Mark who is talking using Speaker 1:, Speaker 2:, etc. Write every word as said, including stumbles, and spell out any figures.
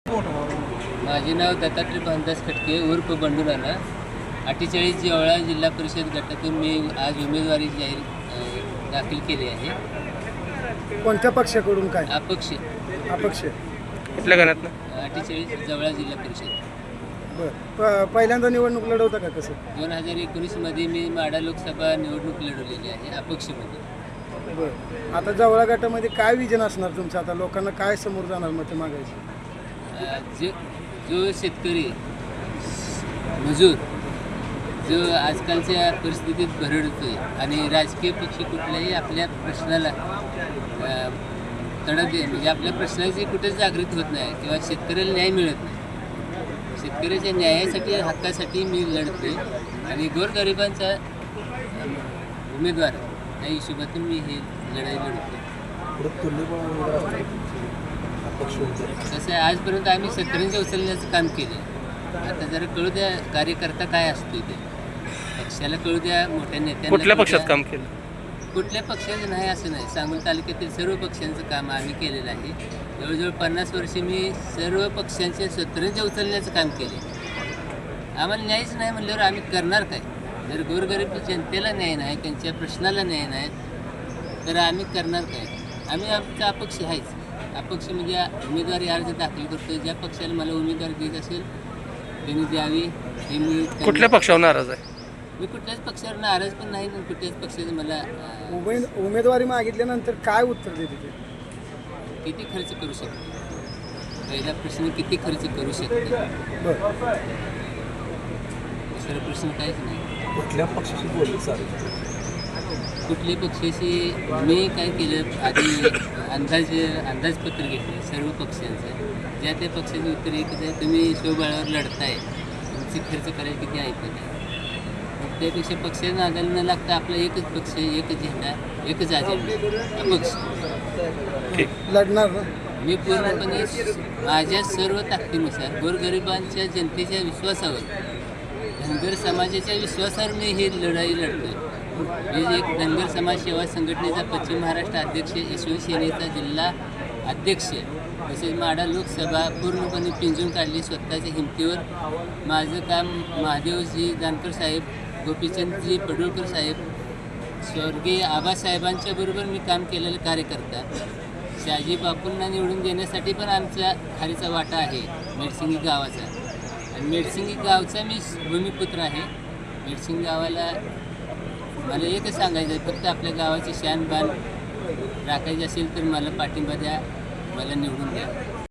Speaker 1: माझे नाव दत्तात्रय भानदास खटके उर्फ बंडू नाना. अठ्ठेचाळीस जवळा जिल्हा परिषद गटातून मी आज उमेदवारी जाहीर अ, दाखल केली आहे.
Speaker 2: कोणत्या पक्षाकडून काय
Speaker 1: अपक्ष
Speaker 2: अपक्ष?
Speaker 3: कुठल्या गणातनं?
Speaker 1: अठ्ठेचाळीस जवळा जिल्हा परिषद.
Speaker 2: बरं. प- पहिल्यांदा निवडणूक लढवता का कसं?
Speaker 1: दोन हजार एकोणीसमध्ये मी माढा लोकसभा निवडणूक लढवलेली आहे अपक्षमध्ये.
Speaker 2: बरं. आता जवळा गटामध्ये काय विजन असणार तुमचं? आता लोकांना काय समोर जाणार मते मागायची?
Speaker 1: अ, जो जो शेतकरी मजूर जो आजकालच्या परिस्थितीत भरडतोय आणि राजकीय पक्ष कुठल्याही आपल्या प्रश्नाला अ, तडा दे म्हणजे आपल्या प्रश्नाची कुठेच जागृत होत नाही किंवा शेतकऱ्याला न्याय मिळत नाही. शेतकऱ्याच्या न्यायासाठी हक्कासाठी मी लढतोय आणि गोरगरिबांचा अ, उमेदवार या हिशोबातून मी हे लढाई लढतोय. कसं आहे, आजपर्यंत आम्ही शेतकऱ्यांच्या उचलण्याचं काम केलं. आता जरा कळू द्या कार्यकर्ता काय असतो ते, पक्षाला कळू द्या, मोठ्या नेत्यांना
Speaker 3: कुठल्या
Speaker 1: कळू
Speaker 3: पक्षात
Speaker 1: द्या.
Speaker 3: काम केलं?
Speaker 1: कुठल्या पक्षाचं नाही असं नाही, सांगोला तालुक्यातील सर्व पक्षांचं काम आम्ही केलेलं आहे. जवळजवळ पन्नास वर्षे मी सर्व पक्षांचे शेतकऱ्यांच्या उचलण्याचं काम केले. आम्हाला न्यायच नाही म्हणल्यावर आम्ही करणार काय? जर गोरगरीब जनतेला न्याय नाही, त्यांच्या प्रश्नाला न्याय नाही, तर आम्ही करणार काय? आम्ही आमचा अपक्ष आहेच. अपक्ष म्हणजे उमेदवारी अर्ज दाखल करतो. ज्या पक्षाला मला उमेदवारी देत असेल त्यांनी द्यावी हे मी त्यांना-
Speaker 3: कुठल्या पक्षावर नाराज आहे?
Speaker 1: मी कुठल्याच पक्षावर नाराज पण नाही आणि कुठल्याच पक्षाचं मला अं,
Speaker 2: उमेद उमेदवारी मागितल्यानंतर काय उत्तर देते ते?
Speaker 1: किती खर्च करू शकते? पहिला प्रश्न किती खर्च करू शकते?
Speaker 2: बरं.
Speaker 1: दुसरा प्रश्न काहीच नाही.
Speaker 4: कुठल्या पक्षाशी बोलले चालेल?
Speaker 1: कुठल्या पक्षाशी मी काय केलं, आधी अंदाज अंदाजपत्र घेतलं सर्व पक्षांचं. ज्या त्या पक्षाचं उत्तर एकच आहे, तुम्ही स्वबळावर लढताय, तुमचे खर्च करायला किती ऐकत आहे. मग त्यापेक्षा पक्षाच्या नादाला न लागता आपला एकच पक्ष, एकच झेंडा, एकच अजेंडा, अपक्ष.
Speaker 3: ठीक.
Speaker 2: लढणार ना?
Speaker 1: मी पूर्णपणे माझ्या सर्व ताकदीनुसार गोरगरिबांच्या जनतेच्या विश्वासावर, धनगर समाजाच्या विश्वासावर मी ही लढाई लढतोय. मी एक धनगर समाज सेवा संघटनेचा पश्चिम महाराष्ट्र अध्यक्ष, यशवंत सेनेचा जिल्हा अध्यक्ष, तसेच माढा लोकसभा पूर्णपणे पिंजून काढली स्वतःच्या हिमतीवर. माझं काम महादेवजी जानकर साहेब, गोपीचंदजी पडुळकर साहेब, स्वर्गीय आबासाहेबांच्या बरोबर मी काम केलेलं कार्यकर्ता. शहाजी बापूंना निवडून देण्यासाठी पण आमचा खारीचा वाटा आहे मेडसिंगी गावाचा. आणि मेडसिंगी गावचा मी भूमिपुत्र आहे. मेडसिंगी गावाला मला एकच सांगायचं आहे, फक्त आपल्या गावाची शान बान राखायची असेल तर मला पाठिंबा द्या, मला निवडून द्या.